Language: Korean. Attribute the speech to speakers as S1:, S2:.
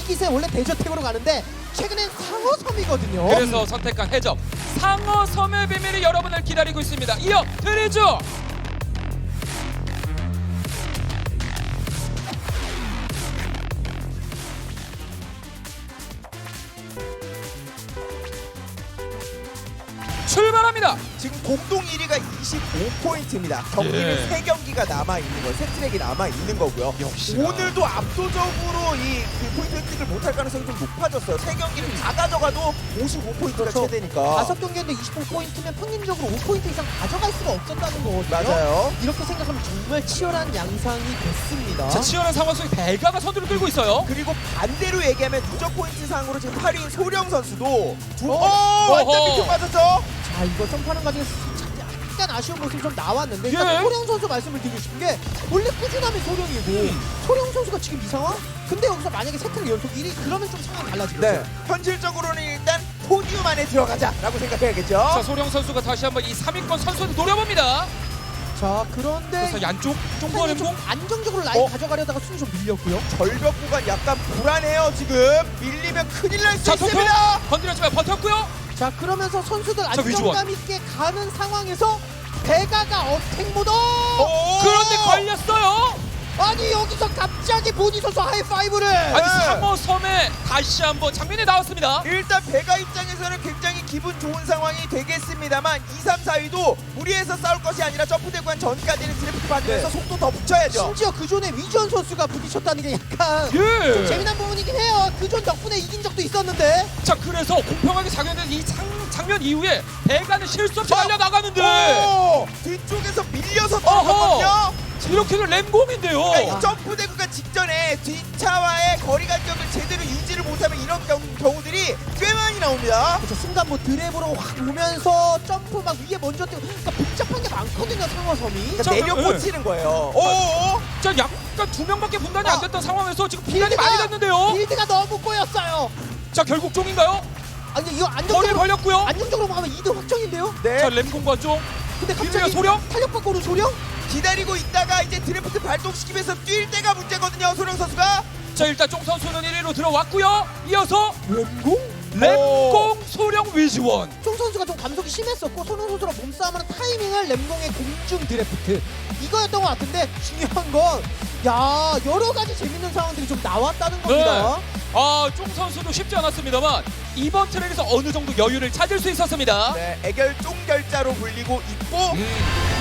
S1: 기세 원래 대저택으로 가는데 최근엔 상어섬이거든요.
S2: 그래서 선택한 해적 상어섬의 비밀이 여러분을 기다리고 있습니다. 이어 드리죠. 출발합니다.
S3: 지금 공동 1위가 25포인트입니다. 경기는
S2: 예.
S3: 3경기가 남아있는 거예요. 세 트랙이 남아있는 거고요.
S2: 역시나.
S3: 오늘도 압도적으로 그 포인트 획득을 못할 가능성이 좀 높아졌어요. 3경기를 다 가져가도 55포인트가
S1: 그렇죠.
S3: 최대니까.
S1: 5경기인데 25포인트면 평균적으로 5포인트 이상 가져갈 수가 없었다는 거거든요.
S3: 맞아요.
S1: 이렇게 생각하면 정말 치열한 양상이 됐습니다.
S2: 자, 치열한 상황 속에 배가가 선두를 끌고 있어요.
S3: 그리고 반대로 얘기하면 누적 포인트 상으로 지금 8위인 소령 선수도
S2: 어허.
S3: 완전 밑으로 빠졌죠?
S1: 자, 이거 점프하는 과정에서 약간 아쉬운 모습이 좀 나왔는데 일단
S2: 예.
S1: 소령 선수 말씀을 드리고 싶은 게 원래 꾸준하면 소령이고 소령 선수가 지금 이 상황? 근데 여기서 만약에 세트를 연속 1위 그러면 좀 상황이 달라지겠죠.
S3: 네. 현실적으로는 일단 포디움 안에 들어가자라고 생각해야겠죠?
S2: 자, 소령 선수가 다시 한번 이 3위권 선수를 노려봅니다.
S1: 자, 그런데
S2: 그래서 양쪽 쫑과
S1: 좀
S2: 램공.
S1: 안정적으로 라인
S3: 어?
S1: 가져가려다가 순위 좀 밀렸고요.
S3: 절벽 구간 약간 불안해요 지금. 밀리면 큰일 날 수
S2: 자, 토토
S3: 있습니다.
S2: 건드렸지만 버텼고요.
S1: 자, 그러면서 선수들
S2: 위주원.
S1: 안정감 있게 가는 상황에서 배가가 어택 모드.
S3: 오!
S2: 그런데 걸렸어요.
S1: 아니 여기서 갑자기 보니 선수 하이파이브를.
S2: 아니 상어섬에 다시 한번 장면이 나왔습니다.
S3: 일단 배가 입장에서는 굉장히 기분 좋은 상황이 되겠습니다만 2, 3, 4위도 무리해서 싸울 것이 아니라 점프대관 전까지는 드래프트 받으면서 속도 더 붙여야죠.
S1: 심지어 그 존에 위전 선수가 부딪혔다는 게 약간
S2: 예.
S1: 좀 재미난 부분이긴 해요. 그 존 덕분에 이긴 적도 있었는데.
S2: 자, 그래서 공평하게 작용된 이 장면 이후에 배가는 실수 없이 달려 나가는데
S3: 오! 뒤쪽에서 밀려서
S2: 어허!
S3: 떨어졌거든요.
S2: 이렇게는 램공인데요.
S3: 그러니까 이 점프대구간 직전에 뒷차와의 거리 간격을 제대로 유지를 못하면 이런 경우들이 꽤 많이 나옵니다.
S1: 그렇죠. 순간 뭐 드랩으로 확 오면서 점프 막 위에 먼저 뛰고 그러니까 복잡한 게 많거든요, 상어섬이.
S3: 그러니까
S2: 자,
S3: 내려
S2: 예.
S3: 꽂히는 거예요. 오!
S2: 자, 약간 두 명밖에 분단이 안 됐던 상황에서 지금 분단이
S1: 빌드가-
S2: 많이 됐는데요.
S1: 빌드가 너무 꼬였어요.
S2: 자, 결국 종인가요?
S1: 아니 이거
S2: 거리를
S1: 안정적으로
S2: 벌렸고요.
S1: 안정적으로 가면 2등 확정인데요.
S3: 네.
S2: 자, 램공과 종.
S1: 근데
S2: 빌드가
S1: 갑자기
S2: 소령?
S1: 탄력받고 오는 소령?
S3: 기다리고 있다가 이제 드래프트 발동시키면서 뛸 때가 문제거든요. 소령 선수가.
S2: 자, 일단 종 선수는 1위로 들어왔고요. 이어서
S1: 램공?
S2: 램공 소령 위즈원.
S1: 종 선수가 좀 감속이 심했었고 소령 선수랑 몸싸움하는 타이밍을 램공의 공중 드래프트 이거였던 것 같은데 중요한 건 야 여러 가지 재밌는 상황들이 좀 나왔다는 겁니다.
S2: 아, 종 선수도 쉽지 않았습니다만 이번 트랙에서 어느 정도 여유를 찾을 수 있었습니다.
S3: 네, 애결 쫑결자로 불리고 있고
S2: 음.